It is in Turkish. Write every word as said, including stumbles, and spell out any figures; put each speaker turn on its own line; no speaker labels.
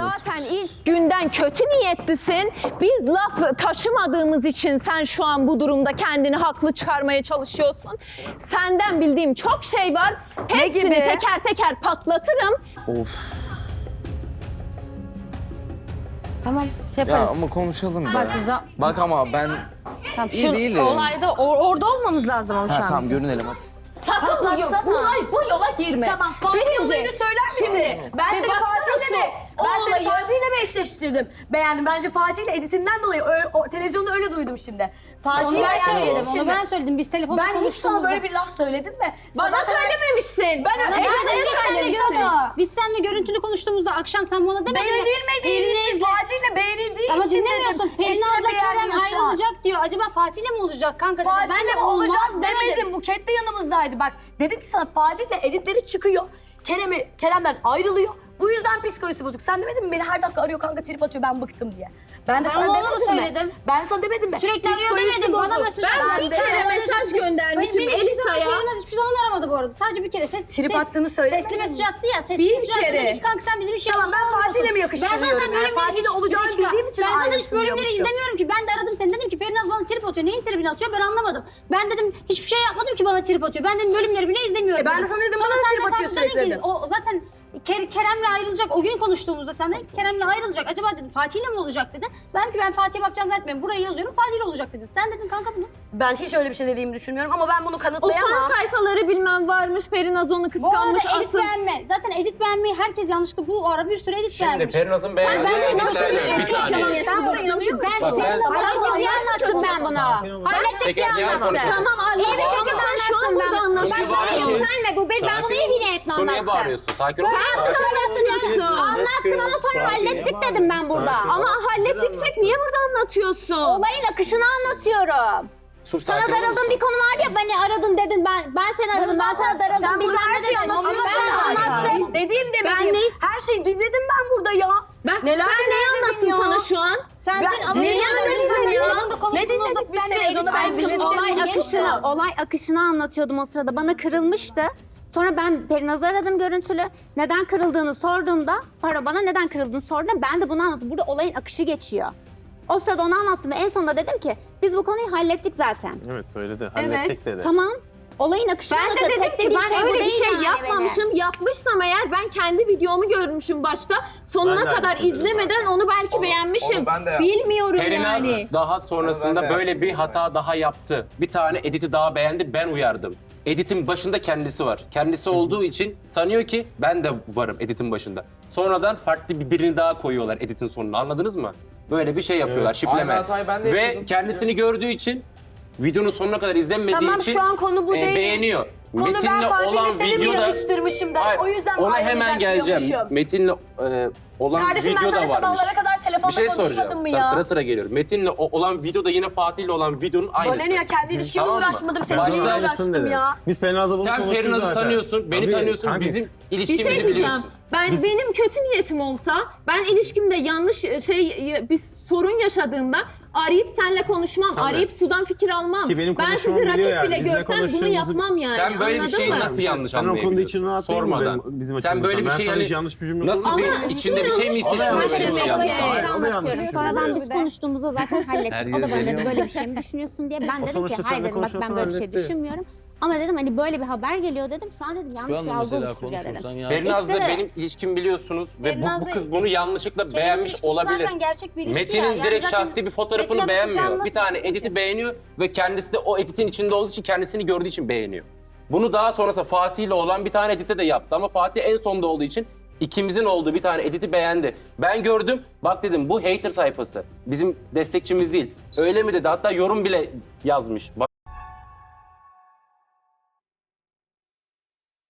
zaten ilk günden kötü niyetlisin. Biz laf taşımadığımız için sen şu an bu durumda kendini haklı çıkarmaya çalışıyorsun. Senden bildiğim çok şey var. Hepsini
gibi?
teker teker patlatırım.
Of.
Tamam şey
Ya
yaparız.
ama konuşalım
Bak,
be.
za-
Bak ama ben
Tamam,
iyi
şu
değilim.
olayda or- orada olmamız lazım ama şu
Ha
an.
tamam görünelim hadi.
Sakın bu,
Patlatsana.
buna, bu yola girme.
Tamam, Fatih
Birinci,
olayını söyler misin?
Şimdi,
ben
bir
seni
baksana
Fatih'le
Su,
mi?
o
Ben seni
olayı-
Fatih'le mi eşleştirdim? Beğendim. Bence Fatih'le editinden dolayı ö- o, televizyonda öyle duydum şimdi. Fatih'le
Onu ben
beğendim
söyledim, onu
şimdi.
ben söyledim. Biz telefonda
Ben hiç sana
konuştuğumuzda.
böyle bir laf söyledim mi?
Bana
Sana-
söylememişsin.
Ben
Bana
evet,
söyledin,
evet,
biz seninle
söylemiştim.
görüntülü- Biz seninle görüntülü konuştuğumuzda akşam sen bana demedin mi?
Beğenilmediğin
Pelin'i
için,
izle.
Fatih'le beğenildiği
Ama
için
dinlemiyorsun.
dedim.
Pelin
Eşini
abla Kerem
beğenmiyor şu an.
ayrılacak diyor. Acaba Fatih'le mi olacak kanka dedim. Ben
Fatih'le
de
mi olacak
olmaz
demedim. Buket de yanımızdaydı. Bak dedim ki sana Fatih'le editleri çıkıyor. Kerem'i, Kerem'den ayrılıyor. Bu yüzden psikolojisi bozuk. Sen demedin mi beni her dakika arıyor kanka trip atıyor ben bıktım diye. Ben de
Ben
sana
ona da
demedim mi?
söyledim.
Ben sana demedim mi?
Sürekli arıyor
Psikolojisi
demedim. Bana
bozuk.
mesaj
Ben
attı.
bir kere mesaj göndermişim
Beni hiçbir zaman
Elisa'ya.
Pelin hiçbir zaman aramadı bu arada. Sadece bir kere ses,
Trip
ses,
attığını söylemedin
sesli
mi?
mesaj attı ya. Sesli
Bir
mesaj attı
kere.
dedi ki kanka sen bizim işe
Tamam, ben Fatih'le mi yakıştırıyorum?
Ben zaten
Yani
bölümleri
Fatih'le
hiç-
olacağını
bir dakika.
bildiğim için
Ben zaten hiç
aynısını
bölümleri
diyormuşum.
izlemiyorum ki. Ben de aradım seni dedim ki Perinaz bana trip atıyor. Neyin tribini atıyor ben anlamadım. Ben dedim hiçbir şey yapmadım ki bana trip atıyor. Ben dedim bölümleri bile izlemiyorum.
E ben de
dedim.
sana dedim,
Sonra
bana
sen
trip
de
atıyor
kalktın dedin
sürekli
ki,
dedim.
O zaten Ker- Kerem'le ayrılacak. O gün konuştuğumuzda sen de Kerem'le ayrılacak. Acaba dedim Fatih'le mi olacak dedin. Ben ki ben Fatih'e bakacağını zannetmiyorum. Burayı yazıyorum Fatih'le olacak dedin. Sen dedin kanka bunu.
Ben hiç öyle bir şey dediğimi düşünmüyorum ama ben bunu
O
kanıtlayamam.
fan sayfaları bilmem varmış. Perinaz onu
Bu
kıskanmış.
arada edit
Asıl.
beğenme. Zaten edit beğenmeyi herkes yanlışlıkla bu ara bir sürü edit
Şimdi
beğenmiş.
Perinaz'ın
Ben
beğendiği
de nasıl
editler
bir
de- bir
edit
saniye.
yalan
Sen buna inanıyor musun?
Ben
Bak, ben-
Perinaz'a
Ben
çok
bunu
iyi anlattım ben buna. Hallettik
Peki,
diye
diğer
anlattım.
konuşalım.
Tamam anladım ama sen şu an burada
Sunuya
anlaşıyorsun.
bağırıyorsun.
Senle bu ben, ben bunu iyi bir niyetle
Sunuya
anlattım.
bağırıyorsun. Sakin ol.
Ben bunu anlattım. Anlattım ama sonra hallettik dedim ben burada.
Ama hallettiksek niye burada anlatıyorsun?
Olayın akışını anlatıyorum.
Sup,
Sana
sakin olur
darıldığın
musun?
bir konu vardı ya beni aradın dedin ben ben seni aradım ben sana darıldım
Sen burada
bilmem
her
ne
şeyi
dedin.
anlatıyorsun.
Ama ben anlattım.
Dediğim
Ben
demediğim.
ne-
Her şeyi dinledim ben burada ya.
Ben,
Neler
ben neyi
neler
anlattım
dedim ya.
sana şu an?
Sen
Ben-
de ama
Neyi
neyi
anladın
anladın
ya?
ya?
Ne dinledik biz televizyonda? Ben bir şey
olay
dinledim.
akışını, olay akışını anlatıyordum o sırada. Bana kırılmıştı. Sonra ben Perinaz'ı aradım görüntülü. Neden kırıldığını sorduğumda, pardon bana neden kırıldığını sorduğunda ben de bunu anlattım. Burada olayın akışı geçiyor. O sırada onu anlattım ve en sonunda dedim ki biz bu konuyu hallettik zaten.
Evet söyledi. Hallettik dedi.
Tamam. Olayın akışını
Ben de
anlatıyorum.
dedim
Tek
ki
dediğim
ben
bu
öyle bir
değil
şey
yani
yapmamışım.
benim.
Yapmışsam eğer ben kendi videomu görmüşüm başta. Sonuna
Ben de
kadar
aynısını dedim
izlemeden onu belki beğenmişim.
onu ben de yaptım.
Bilmiyorum
Perinaz
yani.
daha sonrasında
Ben de
böyle bir hata daha yaptı. Bir tane editi daha beğendi, ben uyardım. Editin başında kendisi var. Kendisi olduğu için sanıyor ki ben de varım editin başında. Sonradan farklı bir birini daha koyuyorlar editin sonuna. Anladınız mı? Böyle bir şey yapıyorlar, şipleme.
Aynı hatayı ben de
Ve
yaşadım.
kendisini gördüğü için, videonun sonuna kadar izlenmediği
Tamam,
için
şu an konu bu
e,
değil.
beğeniyor.
Konu ben
Metin'le
Fatih'le
olan
seni mi
videoda...
yarıştırmışım da
Hayır,
o yüzden mi
ona
ayrılacak
hemen geleceğim.
diyormuşum?
Metin'le e, olan
Kardeşim ben
video
sana
da varmış.
sabahlara kadar telefonda
Bir şey
konuşmadım
soracağım.
mı
Tamam,
ya?
sıra sıra geliyorum. Metin'le o- olan videoda yine Fatih'le olan videonun aynısı.
Bana ne ya kendi ilişkimle
Tamam mı?
uğraşmadım,
Başta-
seninle
Aynısını
uğraştım
dedi.
ya.
Biz Perinaz'la bunu
Sen
konuştuk
Perinaz'ı
zaten.
tanıyorsun, beni
Tabii,
tanıyorsun,
hangisi?
bizim
Bir
ilişkimizi
şey diyeceğim.
biliyorsun.
Ben
Biz-
benim kötü niyetim olsa, ben ilişkimde yanlış şey bir sorun yaşadığımda arayıp seninle konuşmam,
Tabii.
arayıp sudan fikir almam.
Ki benim
Ben
konuşmamı
sizi rakip
biliyor yani.
bile
Biz ne
görsem bunu
konuştuğumuzu-
yapmam yani.
Sen böyle bir
Anladın
şeyi
mı?
nasıl yanlış
Sen o konuda
anlayabiliyorsun?
için rahat değil mi
Sormadan.
benim- bizim
Sen
açımızdan?
böyle bir
Ben
şey
sana
yani
hiç yanlış bir cümle
nasıl
kurmadım.
bir
Ama
içinde bir şey mi
yanlış
istiyorsun?
düşünmüş
böyle bir şey
demek ki.
yapmak?
Hayır, o da yanlış
Anlatıyorum.
düşünüyor.
Sonradan biz konuştuğumuzda zaten hallettik.
Her
O da
yeri
bana dedi
veriyor.
böyle bir şey mi düşünüyorsun diye. Ben dedim ki
sonuçta
hayır
seninle
dedim bak ben
konuşuyorsan
böyle bir şey
halletti.
düşünmüyorum. Ama dedim hani böyle bir haber geliyor dedim. Şu an dedim yanlış
Şu
bir
anda
algı
mesela
oluşturuyor dedim.
konuşursan ya.
Perinaz'la
İkisi de-
benim ilişkimi biliyorsunuz ve bu, bu
Perinaz'la-
kız bunu yanlışlıkla
Kerem'in
beğenmiş
ilişkisi
olabilir.
zaten gerçek bir ilişki
Metin'in
ya. Yani
direkt
zaten
şahsi bir fotoğrafını
Metin'e
beğenmiyor.
bakacağım,
Bir
nasıl
tane
düşünecek?
editi beğeniyor ve kendisi de o editin içinde olduğu için kendisini gördüğü için beğeniyor. Bunu daha sonrasında Fatih'le olan bir tane editte de yaptı ama Fatih en sonda olduğu için ikimizin olduğu bir tane editi beğendi. Ben gördüm, bak dedim bu hater sayfası. Bizim destekçimiz değil. Öyle mi dedi? Hatta yorum bile yazmış.